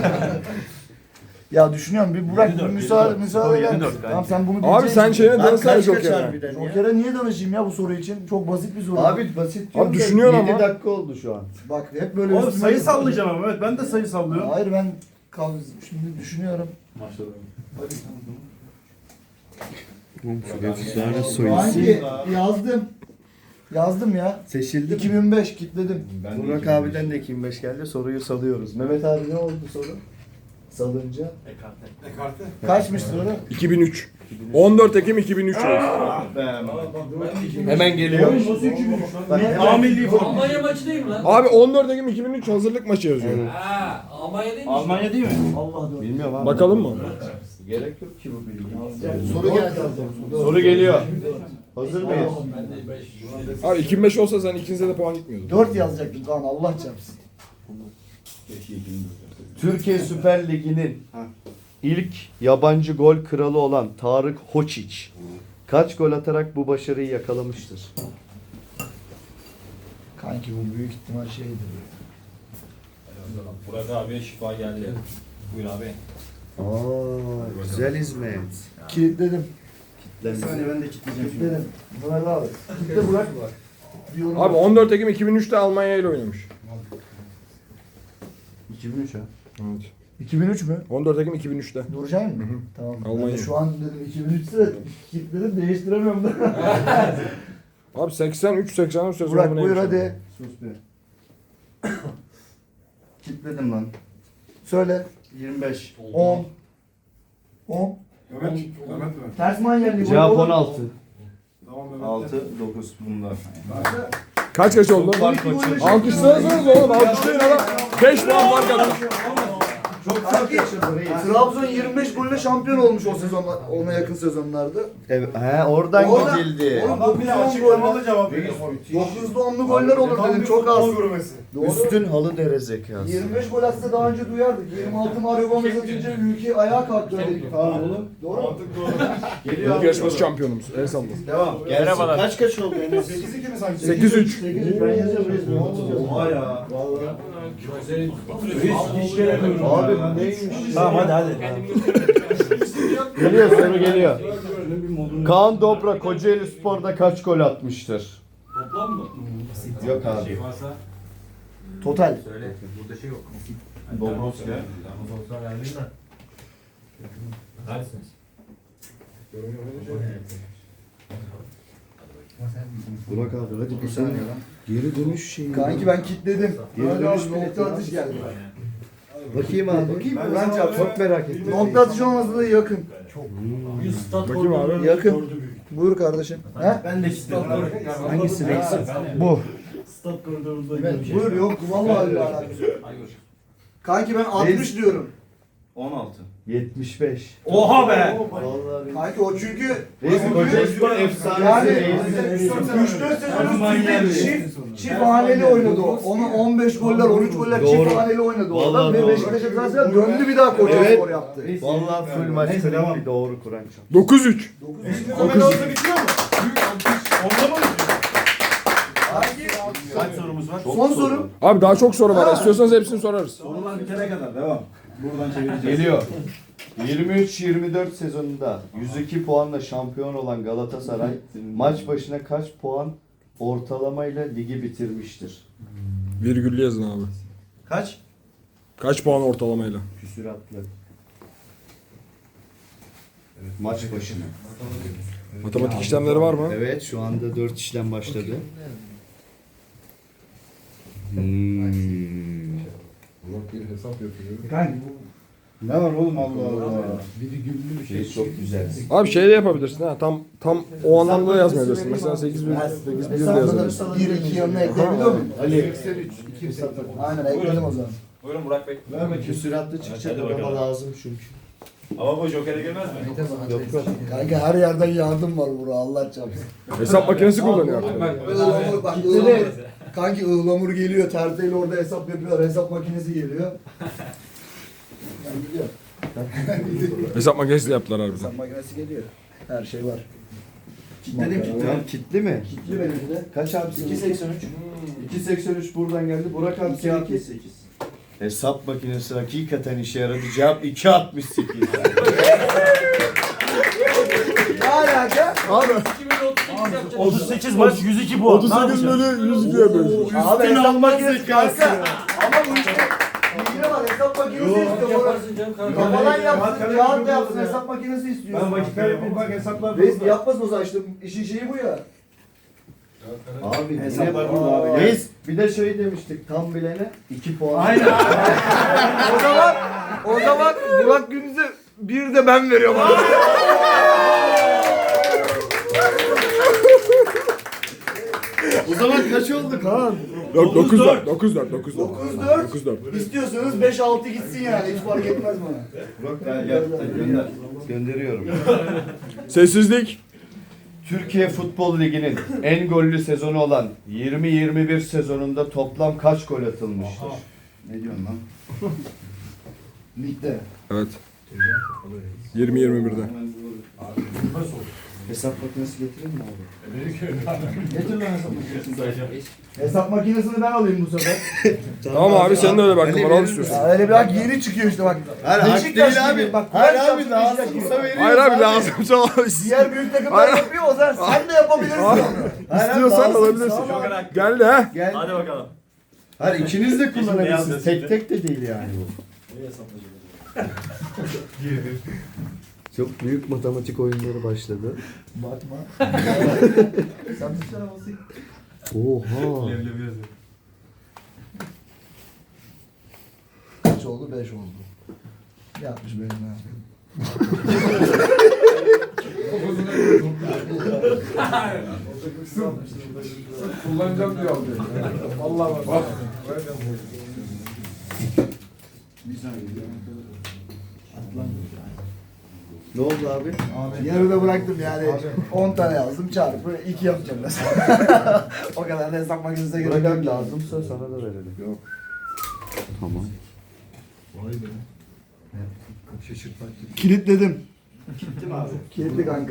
[SPEAKER 4] Ya düşünüyorum bir Burak bir müsaade müsaade eder
[SPEAKER 3] yedi dört
[SPEAKER 4] misin?
[SPEAKER 3] kanka.
[SPEAKER 4] Tamam sen bunu
[SPEAKER 5] Abi
[SPEAKER 4] bileceksin.
[SPEAKER 5] sen şeyine
[SPEAKER 2] Abi
[SPEAKER 5] danışsana
[SPEAKER 2] kaç kaç
[SPEAKER 5] Joker'e.
[SPEAKER 2] harbiden ya?
[SPEAKER 4] Joker'e niye danışayım ya bu soru için? Çok basit bir soru.
[SPEAKER 2] Abi basit diyorum
[SPEAKER 5] Abi
[SPEAKER 2] da
[SPEAKER 5] düşünüyorsun
[SPEAKER 2] yedi
[SPEAKER 5] ama.
[SPEAKER 2] dakika oldu şu an.
[SPEAKER 4] Bak hep böyle
[SPEAKER 3] Oğlum
[SPEAKER 4] üstüme-
[SPEAKER 3] sayı sallayacağım ama evet ben de sayı sallıyorum.
[SPEAKER 4] Hayır ben kal şimdi düşünüyorum.
[SPEAKER 2] Efsane
[SPEAKER 4] Hangi yazdım. Yazdım ya.
[SPEAKER 2] Seçildi mi?
[SPEAKER 4] iki bin beş kitledim.
[SPEAKER 2] Burak abiden de iki bin beş geldi. Soruyu salıyoruz. Mehmet abi ne oldu soru? Salınca.
[SPEAKER 6] Ekarte.
[SPEAKER 4] Kaçmış soru?
[SPEAKER 5] iki bin üç. on dört Ekim iki bin üç.
[SPEAKER 2] Hemen geliyor.
[SPEAKER 4] Ne?
[SPEAKER 3] A milli forma.
[SPEAKER 7] Almanya maçı değil mi lan?
[SPEAKER 5] Abi on dört Ekim iki bin üç hazırlık maçı yazıyor.
[SPEAKER 2] Evet.
[SPEAKER 7] Ha, Almanya değil mi?
[SPEAKER 3] Almanya değil mi?
[SPEAKER 4] Allah dur.
[SPEAKER 2] Bilmiyorum abi.
[SPEAKER 5] Bakalım mı?
[SPEAKER 2] Gerek yok ki bu bilgi.
[SPEAKER 4] Soru geldi.
[SPEAKER 2] Soru geliyor. Hazır mıyız?
[SPEAKER 7] Ben de beş.
[SPEAKER 5] Abi iki bin beş olsa sen ikinize de puan gitmiyordu.
[SPEAKER 4] dört yazacaktım tamam Allah çarpsın.
[SPEAKER 2] Türkiye Süper Ligi'nin ilk yabancı gol kralı olan Tarık Hoçiç kaç gol atarak bu başarıyı yakalamıştır?
[SPEAKER 4] Kanki bu büyük ihtimal şeydir.
[SPEAKER 7] Burak abiye şifa geldi. Buyur abi.
[SPEAKER 2] Aa, güzel hizmet.
[SPEAKER 4] Kilitledim.
[SPEAKER 3] Bir saniye ben de kitleyeceğim şimdi.
[SPEAKER 4] Kilitledim. Burak abi. Kitle Burak. Diyorum.
[SPEAKER 5] Abi on dört Ekim iki bin üçte Almanya ile oynamış.
[SPEAKER 3] iki bin üç ha.
[SPEAKER 5] Evet.
[SPEAKER 4] iki bin üç mü?
[SPEAKER 5] on dört Ekim iki bin üçte.
[SPEAKER 4] Duracak mı?
[SPEAKER 5] Hı hı.
[SPEAKER 4] Tamam.
[SPEAKER 5] Almanya.
[SPEAKER 4] Ben de şu an dedim iki bin üçte kilitledim değiştiremiyorum da.
[SPEAKER 5] Abi seksen üç seksen dört sezonu
[SPEAKER 4] Burak
[SPEAKER 5] neymiş
[SPEAKER 4] buyur
[SPEAKER 5] abi?
[SPEAKER 4] hadi.
[SPEAKER 3] Sus be. Kitledim lan.
[SPEAKER 4] Söyle.
[SPEAKER 3] yirmi beş.
[SPEAKER 4] on. on.
[SPEAKER 6] Mehmet. Mehmet mi?
[SPEAKER 4] Ters manyerliği.
[SPEAKER 2] Cevap on altı.
[SPEAKER 6] Tamam Mehmet.
[SPEAKER 3] altı dokuz bunda.
[SPEAKER 5] Kaç kaç oldu? Alkışlarsanız oğlum alkışlayın adam. beş puan fark attı.
[SPEAKER 4] Çok fark Trabzon yirmi beş golle şampiyon olmuş o sezonlar, ona yakın sezonlarda.
[SPEAKER 2] Evet, he, oradan
[SPEAKER 4] Oradan-
[SPEAKER 2] gidildi.
[SPEAKER 4] Oğlum,
[SPEAKER 3] Adam bile açıklamalı cevap veriyor.
[SPEAKER 4] dokuzda onlu goller olur dedim çok az. Doğru.
[SPEAKER 2] Üstün halı dere zekası.
[SPEAKER 4] yirmi beş gol atsa daha önce duyardık. yirmi altı Mario Gomez atınca ülke ayağa kalktı dedik.
[SPEAKER 3] Tamam oğlum.
[SPEAKER 4] Doğru mu?
[SPEAKER 3] Geliyor
[SPEAKER 5] Lig
[SPEAKER 3] abi.
[SPEAKER 5] yarışması şampiyonumuz. El salla.
[SPEAKER 3] Devam.
[SPEAKER 2] Merhabalar. Kaç kaç oldu Enes?
[SPEAKER 6] sekiz iki mi sanki?
[SPEAKER 5] sekiz üç.
[SPEAKER 4] sekiz üç ben yazıyorum resmi.
[SPEAKER 3] Oha ya.
[SPEAKER 2] Abi bu neymiş?
[SPEAKER 3] Tamam hadi hadi.
[SPEAKER 2] Geliyor soru geliyor. Kaan Dobra Kocaeli Spor'da kaç gol atmıştır?
[SPEAKER 7] Toplam mı?
[SPEAKER 2] Yok abi.
[SPEAKER 7] Varsa
[SPEAKER 4] Total.
[SPEAKER 7] söyle. Burada şey yok.
[SPEAKER 3] Dobrovski.
[SPEAKER 7] Ama sonuçta verdim de. Neredesiniz?
[SPEAKER 2] Burak abi hadi bir saniye lan. Geri dönüş şeyi.
[SPEAKER 4] Kanki ben kilitledim.
[SPEAKER 2] Geri
[SPEAKER 4] Hadi
[SPEAKER 2] dönüş
[SPEAKER 4] abi
[SPEAKER 2] bileti
[SPEAKER 4] nokta
[SPEAKER 2] var.
[SPEAKER 4] atış geldi.
[SPEAKER 2] Bakayım abi.
[SPEAKER 4] Bakayım
[SPEAKER 2] Ben
[SPEAKER 4] mı? Bence abi.
[SPEAKER 2] çok merak ettim.
[SPEAKER 4] Nokta atış olmasa da yakın.
[SPEAKER 7] yüz stat
[SPEAKER 5] Bakayım abi.
[SPEAKER 4] Yakın. Buyur kardeşim. He?
[SPEAKER 3] Ben de kitledim.
[SPEAKER 2] Hangisi reis?
[SPEAKER 4] Bu.
[SPEAKER 3] Stat koridorunda
[SPEAKER 4] Buyur yok vallahi öyle alakası yok. Kanki ben altmış diyorum.
[SPEAKER 3] on altı.
[SPEAKER 2] yetmiş beş.
[SPEAKER 7] Oha be!
[SPEAKER 2] Vallahi
[SPEAKER 4] Kanki o çünkü
[SPEAKER 2] Reis Kocaeli efsanesi.
[SPEAKER 4] yani
[SPEAKER 2] Reis.
[SPEAKER 4] üç dört sezon üstünde çift, çift haneli oynadı o. Onu on beş goller, on üç goller
[SPEAKER 2] Doğru.
[SPEAKER 4] çift haneli oynadı o adam.
[SPEAKER 2] Vallahi
[SPEAKER 4] Ve
[SPEAKER 2] doğru.
[SPEAKER 4] Beşiktaş'a transfer döndü bir daha Kocaeli
[SPEAKER 2] Evet.
[SPEAKER 4] spor yaptı.
[SPEAKER 2] Vallahi full maç bir doğru Kur'an çok.
[SPEAKER 5] dokuz üç.
[SPEAKER 6] Hemen orada bitiyor mu? Büyük alkış. Onda mı bitiyor?
[SPEAKER 3] Kaç sorumuz var?
[SPEAKER 4] Son soru.
[SPEAKER 5] Abi daha çok soru var. İstiyorsanız hepsini sorarız.
[SPEAKER 6] Sorular bitene kadar devam. Buradan çevireceğiz.
[SPEAKER 2] Geliyor. yirmi üç yirmi dört sezonunda yüz iki puanla şampiyon olan Galatasaray maç başına kaç puan ortalamayla ligi bitirmiştir?
[SPEAKER 5] Virgüllü yazın abi.
[SPEAKER 3] Kaç?
[SPEAKER 5] Kaç puan ortalamayla?
[SPEAKER 2] Küsüratlı. Evet, maç başına.
[SPEAKER 5] Matematik işlemleri var mı?
[SPEAKER 2] Evet, şu anda dört işlem başladı. Hmm.
[SPEAKER 6] Bir hesap yapıyor.
[SPEAKER 4] Kanki bu
[SPEAKER 3] Ne var oğlum Allah Allah.
[SPEAKER 2] Şey çok güzel.
[SPEAKER 5] Abi şey de yapabilirsin ha. Tam tam o anlamda da yazmayabilirsin. Mesela sekiz bir sekiz bir de yazabilirsin.
[SPEAKER 4] bir iki yanına ekleyebiliyor muyum?
[SPEAKER 2] Ali.
[SPEAKER 4] Aynen ekledim o zaman.
[SPEAKER 7] Buyurun Burak Bey.
[SPEAKER 2] Küsüratlı çıkacak ama lazım çünkü.
[SPEAKER 7] Ama bu Joker'e girmez mi?
[SPEAKER 2] Yok yok.
[SPEAKER 4] Kanki her yerden yardım var bura Allah çarpsın.
[SPEAKER 5] Hesap makinesi kullanıyor artık.
[SPEAKER 4] Ihlamur bak ıhlamur. Kanki ıhlamur geliyor terteyle orada hesap yapıyorlar hesap makinesi geliyor. Yani gidiyor.
[SPEAKER 5] Hesap makinesi de yaptılar harbiden.
[SPEAKER 4] Hesap makinesi geliyor. Her şey var.
[SPEAKER 2] Kitledim kitledim. Kitli mi?
[SPEAKER 4] Kitli benimki de.
[SPEAKER 2] Kaç abi?
[SPEAKER 4] iki seksen üç.
[SPEAKER 2] iki seksen üç buradan geldi. Burak abi iki altmış sekiz. Hesap makinesi hakikaten işe yaradı. Cevap iki altmış sekiz.
[SPEAKER 4] Ne alaka?
[SPEAKER 5] Abi
[SPEAKER 7] otuz sekiz maç yüz iki puan.
[SPEAKER 5] otuz sekiz bölü yüz ikiye bölüyorsun.
[SPEAKER 4] Abi hesap makinesi kanka. Ama bu işte bilgine bak hesap makinesi istiyor.
[SPEAKER 7] Yaparsın canım kanka.
[SPEAKER 4] Kafadan yapsın, kağıt yapsın, hesap makinesi istiyor.
[SPEAKER 6] Ben vakit kaybettim bak hesaplar
[SPEAKER 4] Reis yapmasın o zaman işte işin şeyi bu ya.
[SPEAKER 2] Abi
[SPEAKER 4] Hesaplar
[SPEAKER 2] ne
[SPEAKER 4] burada abi.
[SPEAKER 2] Reis bir de şey demiştik tam bilene iki puan.
[SPEAKER 4] Aynen. o zaman o zaman Burak Gündüz'e bir de ben veriyorum abi.
[SPEAKER 2] O zaman kaç olduk ha?
[SPEAKER 5] dokuz dört dokuz dört dokuz dört
[SPEAKER 4] dokuz dört.
[SPEAKER 5] dokuz dört
[SPEAKER 4] İstiyorsanız beş altı gitsin yani hiç fark etmez bana.
[SPEAKER 2] Burak gel gel gönder. Gönderiyorum.
[SPEAKER 5] Sessizlik.
[SPEAKER 2] Türkiye Futbol Ligi'nin en gollü sezonu olan yirmi yirmi bir sezonunda toplam kaç gol atılmıştır?
[SPEAKER 3] Ne diyorsun lan?
[SPEAKER 4] Ligde.
[SPEAKER 5] Evet. yirmi yirmi birde.
[SPEAKER 2] Hesap makinesi getireyim mi abi?
[SPEAKER 4] Getir lan hesap makinesini. Hesap makinesini ben alayım bu sefer.
[SPEAKER 5] Tamam abi senin de öyle bak. Bana al istiyorsun.
[SPEAKER 4] Ya öyle bir hak yeni çıkıyor işte bak.
[SPEAKER 2] Hayır hak
[SPEAKER 4] Beşiktaş
[SPEAKER 2] değil
[SPEAKER 4] gibi,
[SPEAKER 2] abi.
[SPEAKER 4] bak,
[SPEAKER 2] Hayır
[SPEAKER 4] Beşiktaş
[SPEAKER 2] abi
[SPEAKER 4] Beşiktaş
[SPEAKER 2] lazımsa
[SPEAKER 4] gibi.
[SPEAKER 2] veriyoruz.
[SPEAKER 5] Hayır abi lazımsa al.
[SPEAKER 4] Diğer büyük takımlar
[SPEAKER 5] Hayır.
[SPEAKER 4] yapıyor o zaman sen de yapabilirsin onu.
[SPEAKER 2] Hayır abi,
[SPEAKER 5] İstiyorsan
[SPEAKER 2] lazımsa
[SPEAKER 5] alabilirsin.
[SPEAKER 2] al.
[SPEAKER 5] Geldi ha.
[SPEAKER 2] Gel.
[SPEAKER 7] Hadi bakalım.
[SPEAKER 2] Hayır ikiniz de
[SPEAKER 7] beyaz
[SPEAKER 2] kullanabilirsiniz.
[SPEAKER 7] resimde.
[SPEAKER 2] Tek tek de değil yani bu. Çok büyük matematik oyunları başladı.
[SPEAKER 4] Bakma. Sen bir tane basayım.
[SPEAKER 2] Oha.
[SPEAKER 4] Kaç oldu? beş oldu. Yapmış benim abi.
[SPEAKER 6] Kullanacağım diyor abi. Vallahi bak. Bak.
[SPEAKER 2] Ne oldu abi?
[SPEAKER 4] Yarıda bıraktım yani. on tane yazdım çarpı iki yapacağım mesela. O kadar da hesap makinesine gerek
[SPEAKER 2] Bırak
[SPEAKER 4] yok.
[SPEAKER 2] lazımsa sana da verelim. Yok. Tamam.
[SPEAKER 6] Vay be. Şaşırtmak gibi.
[SPEAKER 4] Kilitledim. Kilitli mi abi? Kilitli kanka.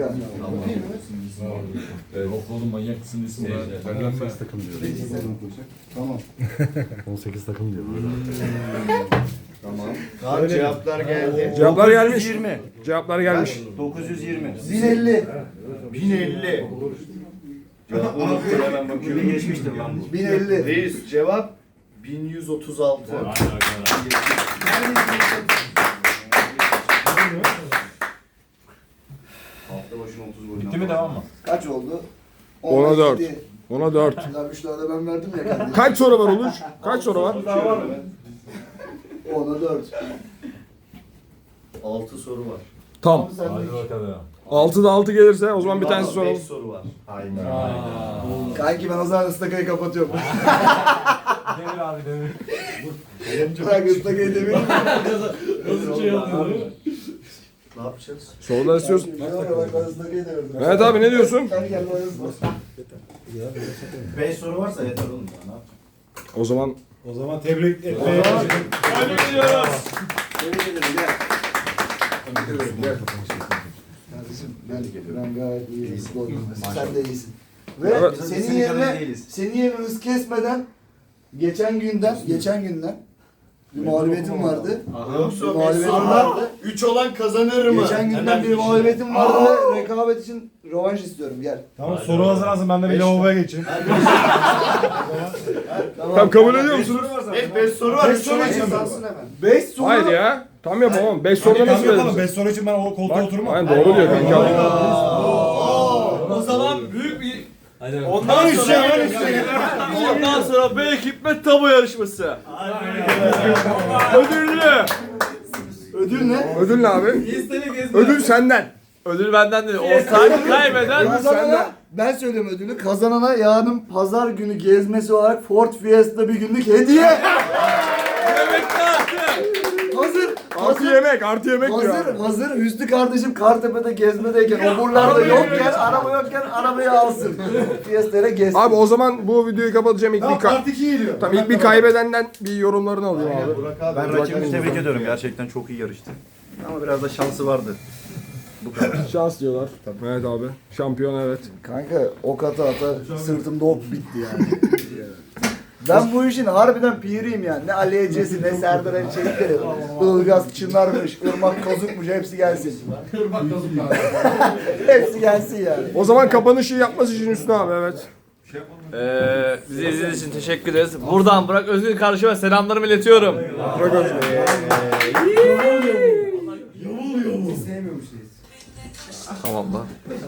[SPEAKER 6] Yok oğlum manyak mısın desin ben. Benden mi?
[SPEAKER 2] Tamam. on sekiz takım diyor. Tamam. Kaç cevaplar geldi?
[SPEAKER 5] Cevaplar gelmiş.
[SPEAKER 2] dokuz yüz yirmi.
[SPEAKER 5] Cevaplar gelmiş.
[SPEAKER 2] dokuz yüz yirmi.
[SPEAKER 4] bin elli.
[SPEAKER 2] bin elli. Cevabı unuttum hemen bakıyorum. Geçmiştir lan bu.
[SPEAKER 4] bin elli.
[SPEAKER 2] Reis cevap bin yüz otuz altı. Hafta başına otuz gol.
[SPEAKER 7] Bitti mi devam mı?
[SPEAKER 4] Kaç oldu?
[SPEAKER 5] Ona dört.
[SPEAKER 4] yedi.
[SPEAKER 5] Ona dört.
[SPEAKER 4] Lan üç tane de ben verdim ya kardeşim.
[SPEAKER 5] Kaç soru var Uluç? Kaç soru var?
[SPEAKER 4] Ona dört.
[SPEAKER 2] altı soru var.
[SPEAKER 5] Tam.
[SPEAKER 4] Sen de
[SPEAKER 7] Hadi
[SPEAKER 4] iki.
[SPEAKER 7] bakalım.
[SPEAKER 5] altıda altı gelirse o zaman bir tanesi
[SPEAKER 2] beş
[SPEAKER 5] soralım.
[SPEAKER 2] soru var.
[SPEAKER 4] Kanki ben o zaman ıstakayı kapatıyorum.
[SPEAKER 7] Demir abi demir.
[SPEAKER 4] Bırak ıslak edemiyorum.
[SPEAKER 6] Nasıl şey yapıyor?
[SPEAKER 2] Ne yapacağız?
[SPEAKER 5] Sorular istiyorsun.
[SPEAKER 4] Bak ben ıslak ediyorum.
[SPEAKER 5] Mehmet abi ne diyorsun?
[SPEAKER 4] Gel gel bana ıslak.
[SPEAKER 2] beş soru varsa yeter oğlum ya. Ne yapacağız?
[SPEAKER 5] O zaman
[SPEAKER 6] O zaman tebrik etmeye
[SPEAKER 7] Hadi gidiyoruz.
[SPEAKER 2] Tebrik ederim gel.
[SPEAKER 4] Kardeşim ben, ben gayet iyi riskli oynadım. Sen de iyisin. Ve
[SPEAKER 5] Evet.
[SPEAKER 4] senin
[SPEAKER 2] Senin kadar
[SPEAKER 4] yerine
[SPEAKER 2] değiliz.
[SPEAKER 4] senin yerine hız kesmeden geçen günden geçen günden bir mağlubiyetim vardı. Bir mağlubiyetim vardı.
[SPEAKER 2] üç olan kazanır mı?
[SPEAKER 4] Geçen günden bir mağlubiyetim vardı ve rekabet için rövanş istiyorum. Gel.
[SPEAKER 6] Tamam soru hazırlansın ben de bir lavaboya geçeyim.
[SPEAKER 5] tam kabul ediyor musunuz?
[SPEAKER 2] Evet beş soru var.
[SPEAKER 4] Beş
[SPEAKER 2] üç
[SPEAKER 4] soru
[SPEAKER 2] soru
[SPEAKER 4] için
[SPEAKER 2] için.
[SPEAKER 4] beş soru.
[SPEAKER 5] Hayır ya. Tam yapamam. beş soruda
[SPEAKER 6] Hadi
[SPEAKER 5] nasıl
[SPEAKER 6] yapalım.
[SPEAKER 5] verirsin?
[SPEAKER 6] beş soru için ben o koltuğa
[SPEAKER 5] Bak,
[SPEAKER 6] oturmam.
[SPEAKER 5] aynen doğru diyor kanka.
[SPEAKER 7] O zaman büyük bir Hadi
[SPEAKER 6] Ondan sonra
[SPEAKER 1] Ondan sonra B Hikmet Tabu yarışması. Ödüllü.
[SPEAKER 4] Ödül ne?
[SPEAKER 5] Ödül ne abi? Ödül senden.
[SPEAKER 1] Ödül benden değil. Ortağını kaybeden
[SPEAKER 4] Kazanana, ben söylüyorum ödülü. Kazanana yarın pazar günü gezmesi olarak Ford Fiesta bir günlük hediye.
[SPEAKER 1] yemekte artı.
[SPEAKER 4] Hazır.
[SPEAKER 5] Artı
[SPEAKER 4] Hazır.
[SPEAKER 5] yemek, artı yemek diyor
[SPEAKER 4] Hazır,
[SPEAKER 5] abi.
[SPEAKER 4] hazır. Hüsnü kardeşim Kartepe'de gezmedeyken, oburlarda yokken, araba yokken arabayı alsın. Fiesta'ya gezsin.
[SPEAKER 5] Abi o zaman bu videoyu kapatacağım. İlk bir,
[SPEAKER 6] Tamam
[SPEAKER 5] ka-
[SPEAKER 6] part iki geliyor.
[SPEAKER 5] Tamam, ilk bir kaybedenden bir yorumlarını alayım abi.
[SPEAKER 3] Ben rakibimi tebrik ediyorum. Gerçekten çok iyi yarıştı. Ama biraz da şansı vardı. Bu kadar.
[SPEAKER 5] Şans diyorlar. Evet abi. Şampiyon evet.
[SPEAKER 4] Kanka ok ata ata sırtımda ok bitti yani. Ben bu işin harbiden piriyim yani. Ne Ali Ecesi ne Serdar Ali Çelikleri. Ilgaz Çınar'mış, Irmak Kozuk'muş hepsi gelsin. Hepsi gelsin yani.
[SPEAKER 5] O zaman kapanışı yapması için Hüsnü abi evet.
[SPEAKER 1] Ee, bizi izlediğiniz için teşekkür ederiz. Buradan Burak Özgür karşıma selamlarımı iletiyorum.
[SPEAKER 5] Bırak Özgür.
[SPEAKER 1] Tamam da.